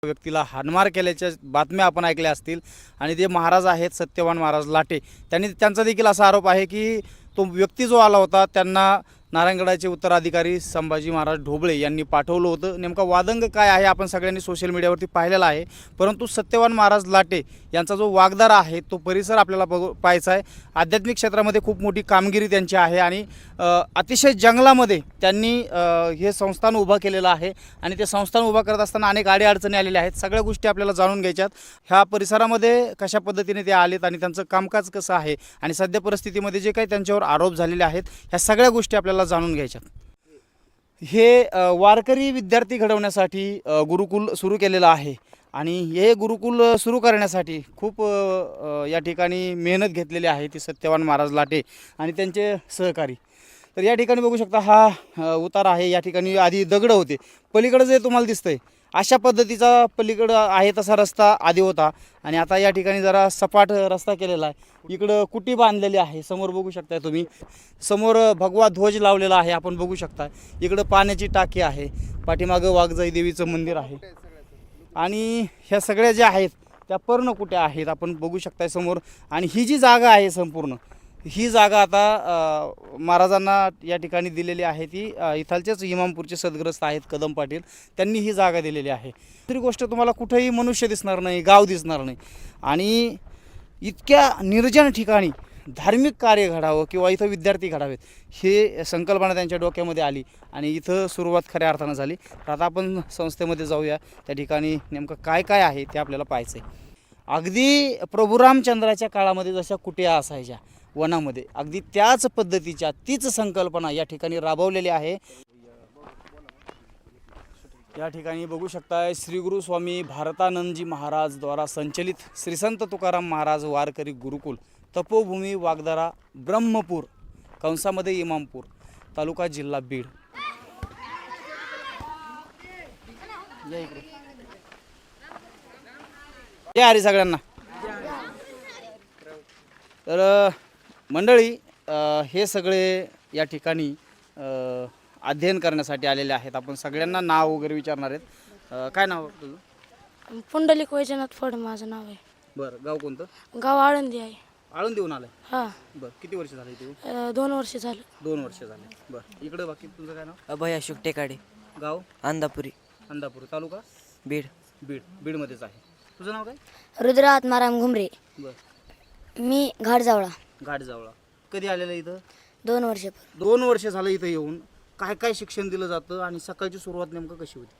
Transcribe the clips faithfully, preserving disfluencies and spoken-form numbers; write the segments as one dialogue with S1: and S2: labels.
S1: व्यक्तीला हाणमार केल्याच्या बातम्या आपण ऐकल्या असतील आणि ते महाराज आहेत सत्यवान महाराज लाटे. त्यांनी त्यांचा देखील असा आरोप आहे की तो व्यक्ती जो आला होता त्यांना नारायणगडाचे उत्तराधिकारी संभाजी महाराज ढोबळे यांनी पाठवलं होतं. नेमका वादंग काय आहे आपण सगळ्यांनी सोशल मीडियावरती पाहिलेला आहे. परंतु सत्यवान महाराज लाटे यांचा जो वागदारा आहे तो परिसर आपल्याला बघू पाहायचा आहे. आध्यात्मिक क्षेत्रामध्ये खूप मोठी कामगिरी त्यांची आहे आणि अतिशय जंगलामध्ये त्यांनी हे संस्थान उभं केलेलं आहे आणि ते संस्थान उभं करत असताना अनेक अडीअडचणी आलेल्या आहेत. सगळ्या गोष्टी आपल्याला जाणून घ्यायच्यात. ह्या परिसरामध्ये कशा पद्धतीने ते आलेत आणि त्यांचं कामकाज कसं आहे आणि सध्या परिस्थितीमध्ये जे काही त्यांच्यावर आरोप झालेले आहेत ह्या सगळ्या गोष्टी आपल्याला जाणून घ्यायच्यात. हे वारकरी विद्यार्थी घडवण्यासाठी गुरुकुल सुरू केलेलं आहे आणि हे गुरुकुल सुरू करण्यासाठी खूप या ठिकाणी मेहनत घेतलेली आहे ती सत्यवान महाराज लाटे आणि त्यांचे सहकारी. तर या ठिकाणी बघू शकता हा उतारा आहे. या ठिकाणी आधी दगड होते. पलीकडे जे तुम्हाला दिसतंय अशा पद्धतीचा पलीकडं आहे तसा रस्ता आधी होता आणि आता या ठिकाणी जरा सपाट रस्ता केलेला आहे. इकडं कुटी बांधलेली आहे. समोर बघू शकताय तुम्ही, समोर भगवा ध्वज लावलेला आहे आपण बघू शकता. इकडं पाण्याची टाकी आहे, पाठीमागं वाघजाई देवीचं मंदिर आहे आणि ह्या सगळ्या ज्या आहेत त्या पर्णकुट्या आहेत आपण बघू शकताय समोर. आणि ही जी जागा आहे संपूर्ण ही जागा आता महाराजांना या ठिकाणी दिलेली आहे. ती इथालचेच इमामपूरचे सदग्रस्त आहेत कदम पाटील, त्यांनी ही जागा दिलेली आहे. दुसरी गोष्ट तुम्हाला कुठेही मनुष्य दिसणार नाही, गाव दिसणार नाही आणि इतक्या निर्जन ठिकाणी धार्मिक कार्य घडावं किंवा इथं विद्यार्थी घडावेत हे संकल्पना त्यांच्या डोक्यामध्ये आली आणि इथं सुरुवात खऱ्या अर्थानं झाली. तर आता आपण संस्थेमध्ये जाऊया. त्या ठिकाणी नेमकं काय काय आहे ते आपल्याला पाहायचं आहे. अगदी प्रभू रामचंद्राच्या काळामध्ये जशा कुट्या असायच्या वनामध्ये अगदी त्याच पद्धतीच्या तीच संकल्पना या ठिकाणी राबवलेली आहे. या ठिकाणी बघू शकताय श्री गुरु स्वामी भारतानंदजी महाराज द्वारा संचलित श्री संत तुकाराम महाराज वारकरी गुरुकुल तपोभूमी वागदारा ब्रह्मपूर कंसामध्ये इमामपूर तालुका जिल्हा बीड. या इकडे या हरी सगळ्यांना. तर मंडळी हे सगळे या ठिकाणी अध्ययन करण्यासाठी आलेले आहेत. आपण सगळ्यांना नाव वगैरे विचारणार आहेत. काय नाव तुझं?
S2: पुंडलिक वैजनाथ फड माझं नाव आहे.
S1: बरं, गाव कोणतं?
S2: गाव आळंदी आहे.
S1: आळंदीहून आलाय?
S2: हां.
S1: बरं, किती वर्ष झाली तू?
S2: दोन वर्ष झालं.
S1: दोन वर्ष झाले. बरं, इकडे बाकी तुझं काय नाव?
S3: अभय अशोक टेकाडे.
S1: गाव?
S3: अंदापुरी.
S1: अंदापूर. तालुका?
S3: बीड.
S1: बीड. बीडमध्येच आहे. तुझं नाव काय?
S2: रुद्र आत्माराम घुमरे.
S1: बरं.
S2: मी घाटजावळा.
S1: घाटजावळा. कधी आलेलं इथं?
S2: दोन वर्ष.
S1: दोन वर्ष झालं इथं येऊन. काय काय शिक्षण दिलं जातं आणि सकाळची सुरुवात नेमकं कशी होती?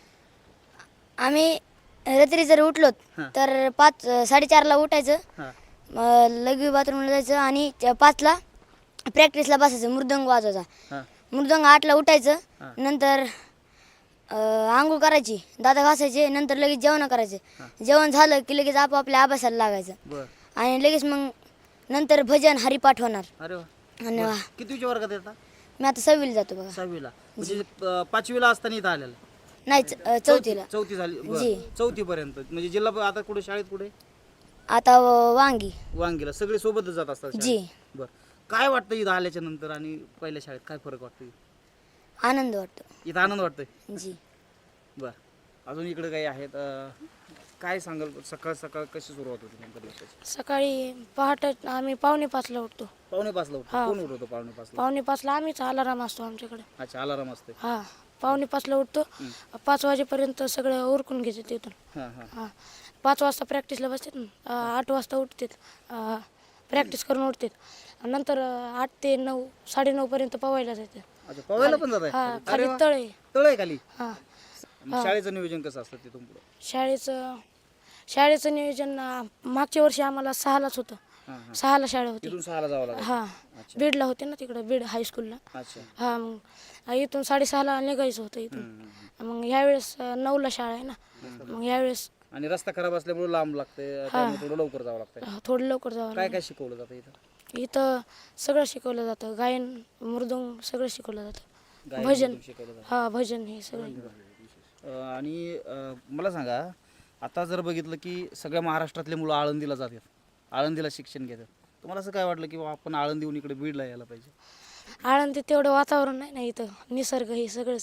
S2: आम्ही रात्री जर उठलो तर पाच साडेचारला उठायचं,
S1: हां
S2: लघवी बाथरूमला जायचं आणि पाचला प्रॅक्टिसला बसायचं. मृदंग वाजवायचा.
S1: हां
S2: मृदंग आठला उठायचं.
S1: हां.
S2: नंतर आंघोळ करायची, दात घासायचे, नंतर लगेच जेवण करायचं. जेवण झालं की लगेच आपापल्या अभ्यासाला लागायचं.
S1: बरं.
S2: आणि लगेच मग नंतर भजन हरिपाठ होणार.
S1: अरे वा.
S2: आणि वा.
S1: कितीच्या वर्गात येतात?
S2: मी आता सहावीला जातो बघा.
S1: सहावीला. म्हणजे अं, पाचवीला असताना इथं आलेलं?
S2: नाही च- चौथीला.
S1: चौथी झाली.
S2: जी.
S1: चौथी पर्यंत म्हणजे जिल्हा आता कुठे शाळेत कुठे?
S2: आता वांगी.
S1: वांगीला. सगळे सोबतच जात असतात शाळेत?
S2: जी.
S1: बरं. काय वाटतं इथं आल्याच्या नंतर आणि पहिल्या शाळेत काय फरक वाटतो?
S2: आनंद वाटतो.
S1: इथं आनंद वाटतोय?
S2: जी.
S1: बरं. अजून इकडे काही आहेत? अं, काय सांगाल सकाळ सकाळ कशी सुरुवात होती नेमकं दिवसाची?
S2: सकाळी पहाटे आम्ही पावणे पाचला उठतो.
S1: पावणे पाचला उठतो?
S2: हां.
S1: कोण उठवतो पावणे पाचला?
S2: पावणे पाचला आम्हीच अलाराम असतो आमच्याकडे.
S1: अच्छा, अलाराम असते.
S2: हां, पावणे पाचला उठतो. पाच वाजेपर्यंत सगळं उरकून घ्यायचं तिथून.
S1: हां हां
S2: हां, पाच वाजता प्रॅक्टिसला बसतात ना. आठ वाजता उठतात, प्रॅक्टिस करून उठतात. नंतर आठ ते नऊ साडेनऊपर्यंत पवायला जायचं.
S1: अच्छा, पवायला पण जात
S2: हां,
S1: आहे?
S2: खाली तळ आहे.
S1: तळ आहे खाली?
S2: हां.
S1: शाळेचं नियोजन कसं असतं तिथून पुढे?
S2: शाळेचं शाळेचं नियोजन अं, मागच्या वर्षी आम्हाला सहालाच होतं.
S1: हां हां.
S2: सहाला शाळा होती.
S1: तिथून सहाला जावं लागतं?
S2: हां, बीडला होते ना तिकडं, बीड हायस्कूलला.
S1: अच्छा.
S2: हां, मग इथून साडेसहाला निघायचं होतं इथून. मग ह्यावेळेस अं, नऊला शाळा आहे ना. मग यावेळेस
S1: आणि रस्ता खराब असल्यामुळे लांब लागते, त्यामुळे थोडं लवकर जावं लागतं.
S2: अं, थोडं लवकर जावं
S1: काय काय शिकवलं जातं इथं?
S2: लागतं. इथं सगळं शिकवलं जातं. गायन, मृदुंग सगळं शिकवलं जातं.
S1: गायन
S2: भजन.
S1: मधून शिकवलं जातं?
S2: हां, भजन हे सगळं.
S1: अं, आणि अं, मला सांगा, आता जर बघितलं की सगळ्या महाराष्ट्रातले मुलं आळंदीला जातात, आळंदीला शिक्षण घेतात. तुम्हाला असं काय वाटलं की बा आपण आळंदीहून इकडे बीडला यायला पाहिजे?
S2: आळंदीत तेवढं वातावरण नाही ना, इथं निसर्ग हे सगळंच आहे.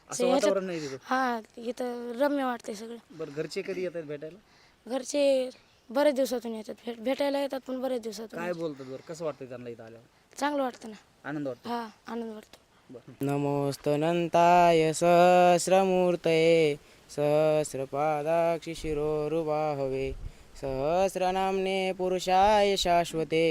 S1: असं वातावरण नाही तिथं.
S2: हा इथं रम्य वाटतंय सगळं.
S1: बरं घरचे कधी येतात भेटायला?
S2: घरचे बरेच दिवसातून येतात, भेट भेटायला येतात पण बरेच दिवसातून.
S1: काय बोलतात बरं, कसं वाटतं त्यांना इथं आल्यावर?
S2: चांगलं वाटतं ना.
S1: आनंद वाटतो.
S2: हा आनंद वाटतो.
S3: नमोस्तनंताय सहस्रमूर्तये सहस्रपादाक्षि शिरोरुबाहवे सहस्रनाम्ने पुरुषाय शाश्वते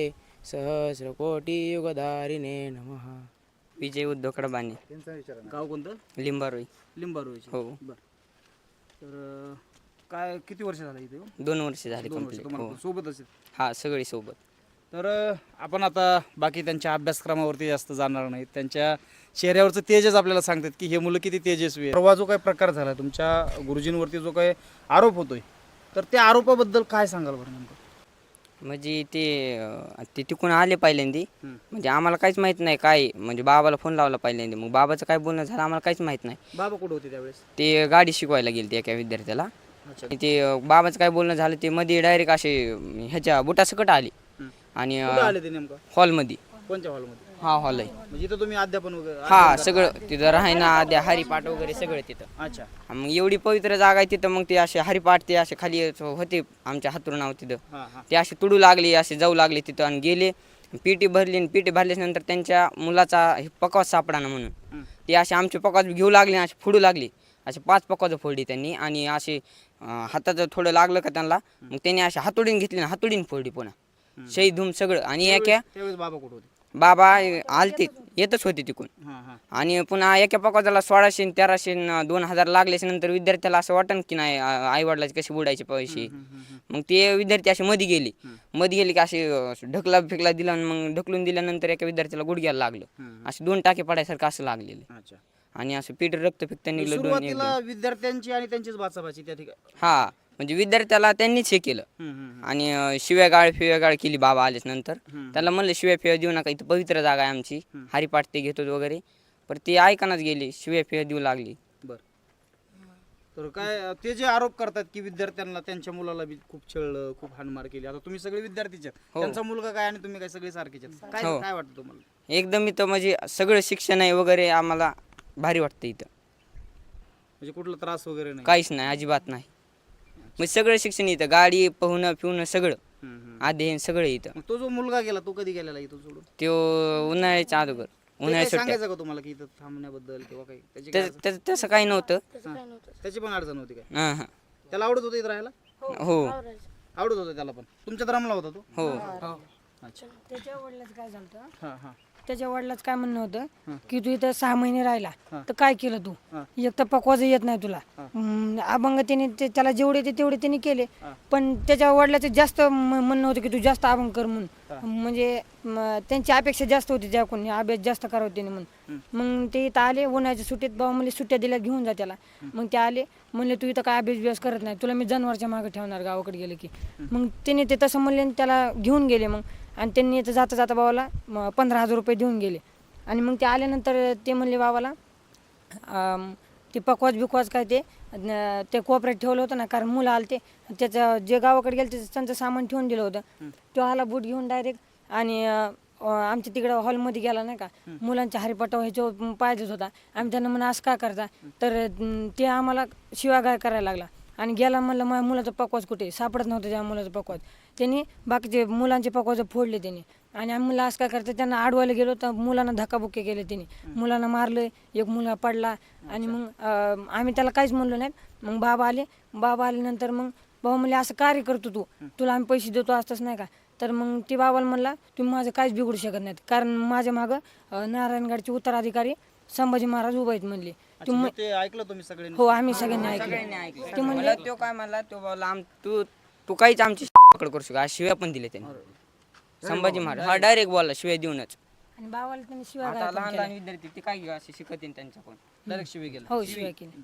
S3: सहस्रकोटियुगधारिणे नमः.
S4: विजय उद्धव कडबाने,
S1: गाव कोणतं?
S4: लिंबारोई.
S1: लिंबारोळीचे.
S4: हो.
S1: बरं. तर अं, काय किती वर्ष झालं इथे येऊन?
S4: दोन वर्ष झाले
S1: दोन वर्ष
S4: कंप्लीट.
S1: तुम्हाला
S4: हो
S1: पण सोबतच आहेत.
S4: हा सगळी सोबत.
S1: तर अं, आपण आता बाकी त्यांच्या अभ्यासक्रमावरती जास्त जाणार नाही. त्यांच्या चेहऱ्यावरचं तेजच आपल्याला सांगतात की हे मुलं किती तेजस्वी आहे. परवा जो काही प्रकार झाला तुमच्या गुरुजींवरती जो काही आरोप होतोय, तर त्या आरोपाबद्दल काय सांगाल बरं नेमकं?
S4: म्हणजे ते अं, ते तिकून आले पहिल्यांदी.
S1: हम्म.
S4: म्हणजे आम्हाला काहीच माहीत नाही काय, म्हणजे बाबाला फोन लावला पहिल्यांदी. मग बाबाचं काय बोलणं झालं आम्हाला काहीच माहीत नाही.
S1: बाबा कुठे होते त्यावेळेस?
S4: ते गाडी शिकवायला गेले ते एका विद्यार्थ्याला.
S1: अच्छा.
S4: आणि ते अं, बाबाचं काय बोलणं झालं ते मध्ये डायरेक्ट असे अं, ह्याच्या बुटासकट आले.
S1: हम्म.
S4: आणि
S1: कुठे आले ते नेमकं?
S4: हॉलमध्ये.
S1: कोणत्या हॉलमध्ये?
S4: हा हॉल आहे.
S1: म्हणजे इथं तुम्ही अध्यापन वगैरे?
S4: हा सगळं तिथं राहायना आद्या हरिपाठ वगैरे सगळं तिथं.
S1: अच्छा.
S4: हा, मग एवढी पवित्र जागा आहे तिथं. मग ते असे हरिपाठ ते असे खाली होते आमच्या हातून नाव तिथं.
S1: हां हां.
S4: ते असे तुडू लागले, असे जाऊ लागले तिथं आणि गेले. पीटी भरली आणि पीटी भरल्याच्या नंतर त्यांच्या मुलाचा हे पकवाज सापडाना म्हणून
S1: हम्म.
S4: ते असे आमचे पकवाज घेऊ लागले आणि असे फोडू लागले. असे पाच पकवाज फोडली त्यांनी आणि असे अं, हाताचं थोडं लागलं का त्यांना, मग त्यांनी असे हातोडीन घेतली ना हातोडीन फोडली पुन्हा शहीद धूम सगळं. आणि एका
S1: त्यावेळेस बाबा कुठे होते?
S4: बाबा आलते येतच होते तिकून.
S1: हां हां.
S4: आणि पुन्हा एका पकवाजाला सोळाशे तेराशे न दोन हजार लागल्याच्या नंतर विद्यार्थ्याला असं वाटन की नाही आई वडिलाचे कसे बुडायचे पैसे. मग ते विद्यार्थी असे मध्ये गेले. मध्ये गेले की असे अं, ढकला फेकला दिला आणि मग ढकलून दिल्यानंतर एका विद्यार्थ्याला गुडघ्याला लागलं. असे दोन टाके पडायसारखं असं लागलेलं.
S1: अच्छा.
S4: आणि असं पीठ रक्त फेकता निघलं दोन एक
S1: सुरुवातीला विद्यार्थ्यांची आणि त्यांचीच बाचाबाची त्या ठिकाणी?
S4: हा म्हणजे विद्यार्थ्याला त्यांनीच हे केलं.
S1: हम्म, हम्म,
S4: आणि अं, शिव्यागाळ फिव्यागाळ केली बाबा आल्याच नंतर.
S1: हम्म.
S4: त्याला म्हणलं शिव्या फिव्या देऊ नका, इथं पवित्र जागा आहे आमची, हरिपाठ ते घेतो वगैरे. पण ते ऐकानच गेले, शिव्या फिव्या देऊ लागली.
S1: बर. तर काय ते जे आरोप करतात की विद्यार्थ्यांना त्यांच्या मुलाला बी खूप छळलं, खूप हाणमार केली. आता तुम्ही सगळे विद्यार्थीच आहेत.
S4: हो.
S1: त्यांचा मुलगा काय आणि तुम्ही काय सगळे सारखेच आहेत. काय
S4: हो.
S1: काय वाटतं तुम्हाला?
S4: एकदम इथं म्हणजे सगळं शिक्षण आहे वगैरे आम्हाला भारी वाटतं इथं.
S1: म्हणजे कुठला त्रास वगैरे नाही?
S4: काहीच नाही, अजिबात नाही. मग सगळं शिक्षण इथं, गाडी पोहणं फिवणं सगळं
S1: हम्म, हम्म.
S4: अध्ययन सगळं इथं.
S1: मग तो जो मुलगा गेला तो कधी गेलेला इथं सोडून?
S4: तो उन्हाळ्याच्या अगोदर
S1: ते काही
S4: उन्हाळ्यात सुट्ट्या
S1: सांगायचं का तुम्हाला की इथं थांबण्याबद्दल किंवा काही त्याची काय
S4: त्याचं
S1: अडचण-
S4: त्याचं- तसं काही नव्हतं.
S2: तसं काय नव्हतं.
S1: त्याची पण अडचण होती काय?
S4: हां हां.
S1: त्याला आवडत होतं इथं राहायला?
S4: हो
S2: आवरायचं.
S1: आवडत होतं त्याला पण? तुमच्यात रमला होता तो?
S4: हो.
S1: अच्छा.
S5: त्याच्या वडिलाचं काय झालं,
S1: हां हां.
S5: त्याच्या वडिलाचं काय म्हणणं होतं की तू इथं सहा महिने राहिला
S1: हा.
S5: तर काय केलं तू,
S1: हा.
S5: एक तर पकवाज येत नाही तुला.
S1: हा.
S5: हम्म, अभंग त्याने ते- त्याला जेवढे ते तेवढे त्यांनी केले,
S1: हा.
S5: पण त्याच्या वडिलाचं जास्त म- म्हणणं होतं की तू जास्त अभंग कर म्हणून.
S1: हा.
S5: म्हणजे म, त्यांची अपेक्षा जास्त होती त्या कोणी अभ्यास जास्त करावं त्याने म्हणून. मग ते इथं आले उन्हाळ्याच्या सुट्टीत, बाबा म्हणले सुट्ट्या दिल्या घेऊन जा त्याला. मग ते आले म्हणले तू इथं काय अभ्यास बिभ्यास करत नाही, तुला मी जनावरच्या मागे ठेवणार गावाकडे गेले की. मग त्याने ते तसं म्हणले आणि त्याला घेऊन गेले. मग आणि त्यांनी इथं जाता जाता बाबाला म, पंधरा हजार रुपये देऊन गेले. आणि मग ते आल्यानंतर ते म्हणले बाबाला अम, ते पकवाज बिकवाज काय ते न- ते कोपऱ्यात ठेवलं होतं ना, कारण मुलं आले ते त्याचं जे गावाकडे गेलं त्याचं त्यांचं सामान ठेवून दिलं होतं. तो आला बूट घेऊन डायरेक्ट आणि अ, अ, आमच्या तिकडं हॉलमध्ये गेला नाही का, मुलांच्या हरिपाठ ह्याच्यावर पाहिजेच होता. आम्ही त्यांना म्हणा असं का करता, तर अं, ते आम्हाला शिवागाळ करायला लागला आणि गेला. म्हणलं माझ्या मुलाचं पकवाज कुठे, सापडत नव्हतं त्या मुलाचं पकवाज. त्यांनी बाकीचे मुलांचे पकवाज फोडले त्यांनी. आणि आम्ही मुलं असं काय करतात, त्यांना अडवायला गेलो तर मुलांना धक्काबुक्की केले त्यांनी. मुलांना मारलं, एक मुलगा पडला. आणि मग अं, आम्ही त्याला काहीच म्हणलो नाही. मग बाबा आले, बाबा आल्यानंतर मग बाबा म्हणले असं कार्य करतो तू, तुला आम्ही पैसे देतो असतंच नाही का. तर मग ती बाबाला म्हणला तुम्ही माझं काहीच बिघडू शकत नाहीत, कारण माझ्या मागं अं, नारायणगडचे उत्तराधिकारी संभाजी महाराज उभे आहेत म्हणले.
S1: अच्छा, मग ते ऐकलं तुम्ही सगळ्यांनी?
S5: हो आम्ही सगळ्यांनी ऐकलं.
S4: सगळ्यांनी ऐकलं.
S5: ते म्हणले
S4: मला तो काय म्हणला, तो बोलला आम तू तू काहीच आमची पकड करू शकतो. शिव्या पण दिले त्यांनी. संभाजी महाराज हा डायरेक्ट बोलला शिव्या देऊनच.
S5: आणि बाबाला त्यांनी शिवाय
S4: आता लहान लहान विद्यार्थी ते काय असे शिकत त्यांच्याकडून
S1: डायरेक्ट शिवे गेला?
S5: हो शिवाय केली.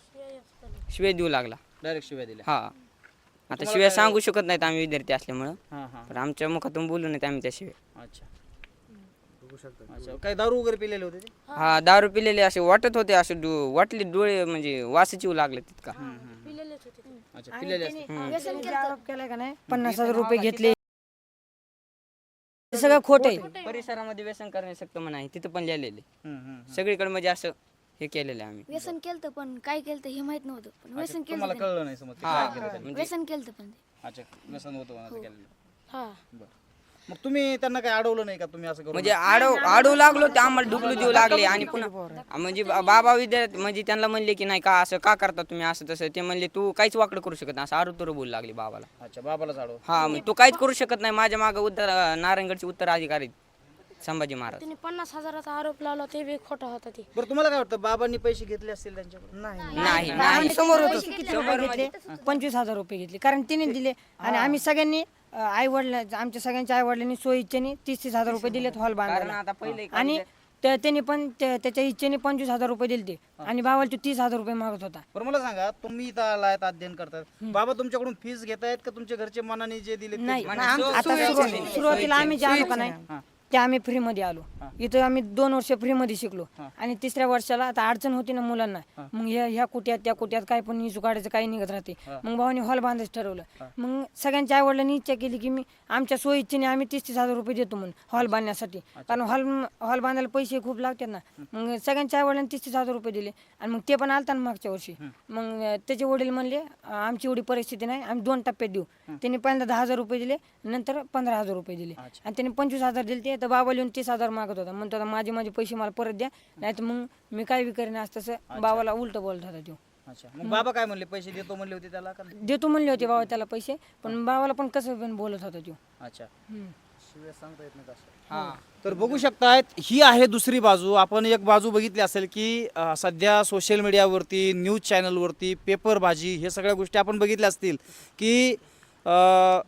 S4: शिव्या देऊ लागला.
S1: डायरेक्ट शिव्या दिल्या?
S4: हा आता शिव्या सांगू शकत नाहीत आम्ही विद्यार्थी असल्यामुळं,
S1: हां हां.
S4: पण आमच्या मुखातून बोलू नयेत आम्ही त्या शिव्या.
S1: अच्छा. अच्छा. काय दारू वगैरे पिलेले होते ते?
S4: हा दारू पिलेले असे वाटत होते, असे डो- वाटले डोळे म्हणजे वासच येऊ लागले तितका.
S2: पिलेलेच होते ते.
S1: अच्छा, पिलेले असते.
S5: त्यांनी जे आरोप केलाय का नाही, पन्नास हजार रुपये घेतले, हे सगळं खोट आहे.
S4: परिसरामध्ये व्यसन करणे सक्त म्हणा आहे तिथं पण लिहिलेले
S1: हम्म, हम्म.
S4: सगळीकडे म्हणजे असं हे केलेलं आहे आम्ही.
S6: व्यसन केलं पण काय केलं हे माहित नव्हतं पण व्यसन केलं
S1: तुम्हाला कळलं नाही समज ते काय केलं त्यांनी.
S6: व्यसन केलं पण ते
S1: अच्छा व्यसन होतं म्हणायचं केलेलं.
S2: हा
S1: बरं मग तुम्ही त्यांना काही अडवलं नाही का तुम्ही असं करू
S4: म्हणजे आडव आडू लागलो ते आम्हाला ढुकलू देऊ लागले आणि पुन्हा म्हणजे बा- बाबा विद्यार्थी म्हणजे त्यांना म्हणले की नाही का असं का करता तुम्ही असं तसं ते म्हणले तू काहीच वाकडं करू शकत नाही असं आरुतुरं बोलू लागले बाबाला.
S1: अच्छा बाबालाच अडव.
S4: हा मग तू काहीच करू शकत नाही माझ्या मागं उत्तर नारायणगडचे उत्तराधिकारी संभाजी महाराज.
S2: त्यांनी पन्नास हजाराचा आरोप लावला ते बी खोटा होता ते.
S1: बरं तुम्हाला काय वाटतं बाबांनी पैसे घेतले असतील त्यांच्याकडून?
S3: नाही
S4: नाही
S5: आम्ही
S4: नाही
S5: समोर होतो किती रुपये घेतले पंचवीस हजार रुपये घेतले कारण तिने दिले आणि आम्ही सगळ्यांनी आई वडला आमच्या सगळ्यांच्या आई वडिलांनी सोय इच्छेने तीस तीस हजार रुपये दिलेत हॉल
S4: कारण
S5: बांधायला
S4: आता पहिले
S5: आणि त्या- त्यांनी पण त्या- त्याच्या इच्छेने पंचवीस हजार रुपये दिले ते आणि भावाला तो तीस हजार रुपये मागत होता.
S1: बरं मला सांगा तुम्ही इथं आलायत अध्ययन करतात बाबा तुमच्याकडून फीस घेतायत का तुमच्या घरचे मनाने जे दिले ते
S5: नाही
S1: घेतायत?
S5: आता सुरु- सुरुवातीला आम्ही जे आलो का नाही ते आम्ही फ्री मध्ये आलो इथं आम्ही दोन वर्ष फ्री मध्ये शिकलो आणि तिसऱ्या वर्षाला आता अडचण होती ना मुलांना मग ह्या ह्या कुट्यात त्या कुट्यात काय पण इशू काढायचं काही निघत राहते मग भावानी हॉल बांधायचं ठरवलं मग सगळ्यांच्या आई वडिलांनी इच्छा केली की मी आमच्या सोयी इच्छेने आम्ही तीस तीस हजार रुपये देतो म्हणून हॉल बांधण्यासाठी कारण हॉल हॉल बांधायला पैसे खूप लागतात ना मग सगळ्यांच्या आई वडिलांनी तीस तीस हजार रुपये दिले आणि मग ते पण आलता ना मागच्या वर्षी मग त्याचे वडील म्हणले आमची एवढी परिस्थिती नाही आम्ही दोन टप्प्यात देऊ त्यांनी पहिल्यांदा दहा हजार रुपये दिले नंतर पंधरा हजार रुपये दिले आणि त्यांनी पंचवीस हजार दिले ते तर बाबा लिहून तीस हजार मागत होता म्हणतो आता माझे माझे पैसे मला परत द्या नाही तर मग मी काय बी करेन असं तसं बाबाला उलट बोलत होता तो.
S1: अच्छा मग बाबा काय म्हणले पैसे देतो म्हणले होते त्याला का नाही?
S5: देतो म्हणले होते बाबा त्याला पैसे पण बाबाला पण कसं पण बोलत होता तो.
S1: अच्छा
S5: हम्म.
S1: शिव्या सांगता येत नाही असं. तर बघू शकतायत ही आहे दुसरी बाजू. आपण एक बाजू बघितली असेल की अ, सध्या सोशल मीडियावरती न्यूज चॅनलवरती पेपरबाजी हे सगळ्या गोष्टी आपण बघितल्या असतील की अ,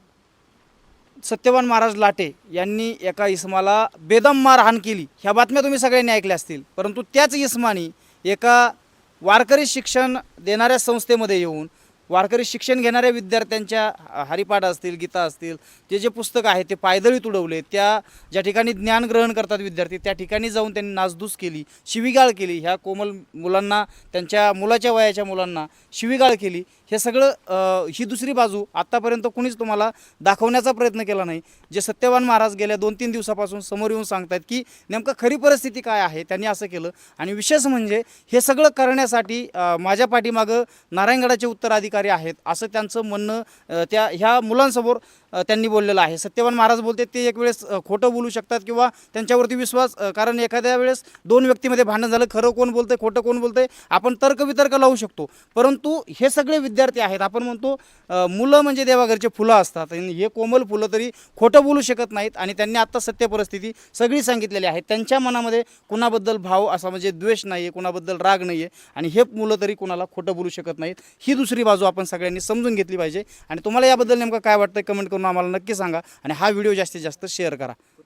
S1: सत्यवान महाराज लाटे यांनी एका इसमाला बेदम मारहाण केली ह्या बातम्या तुम्ही सगळ्यांनी ऐकल्या असतील. परंतु त्याच इसमानी एका वारकरी शिक्षण देणाऱ्या संस्थेमध्ये येऊन वारकरी शिक्षण घेणाऱ्या विद्यार्थ्यांच्या हरिपाठ असतील गीता असतील ते जे पुस्तक आहे ते पायदळी तुडवले. त्या ज्या ठिकाणी ज्ञान ग्रहण करतात विद्यार्थी त्या ठिकाणी जाऊन त्यांनी नासधूस केली शिवीगाळ केली. ह्या कोमल मुलांना त्यांच्या मुलाच्या वयाच्या मुलांना शिवीगाळ केली. हे सगळं अ, ही दुसरी बाजू आत्तापर्यंत कुणीच तुम्हाला दाखवण्याचा प्रयत्न केला नाही. जे सत्यवान महाराज गेल्या दोन तीन दिवसापासून समोर येऊन सांगतात की नेमकं खरी परिस्थिती काय आहे त्यांनी असं केलं. आणि विशेष म्हणजे हे सगळं करण्यासाठी अ, माझ्या पाठीमागं नारायणगडाचे उत्तराधिकारी आहेत असं त्यांचं म्हणणं अ, त्या ह्या मुलांसमोर अ, त्यांनी बोललेलं आहे. सत्यवान महाराज बोलते ते एक वेळेस अ, खोटं बोलू शकतात किंवा त्यांच्यावरती विश्वास अ, कारण एखाद्या वेळेस दोन व्यक्तीमध्ये भांडण झालं खरं कोण बोलतंय खोटं कोण बोलतंय आपण तर्कवितर्क लावू शकतो. परंतु हे सगळे विद्यार्थी आहेत आपण म्हणतो अ, मुलं म्हणजे देवाघरचे फुलं असतात आणि हे कोमल फुलं तरी खोटं बोलू शकत नाहीत. आणि त्यांनी आत्ता सत्य परिस्थिती सगळी सांगितलेली आहे. त्यांच्या मनामध्ये कुणाबद्दल भाव असा म्हणजे द्वेष नाही आहे कुणाबद्दल राग नाही आहे आणि हे मुलं तरी कुणाला खोटं बोलू शकत नाहीत. ही दुसरी बाजू आपण सगळ्यांनी समजून घेतली पाहिजे. आणि तुम्हाला याबद्दल नेमकं काय वाटतं कमेंट करून आम्हाला नक्की सांगा आणि हा व्हिडिओ जास्तीत जास्त शेअर करा.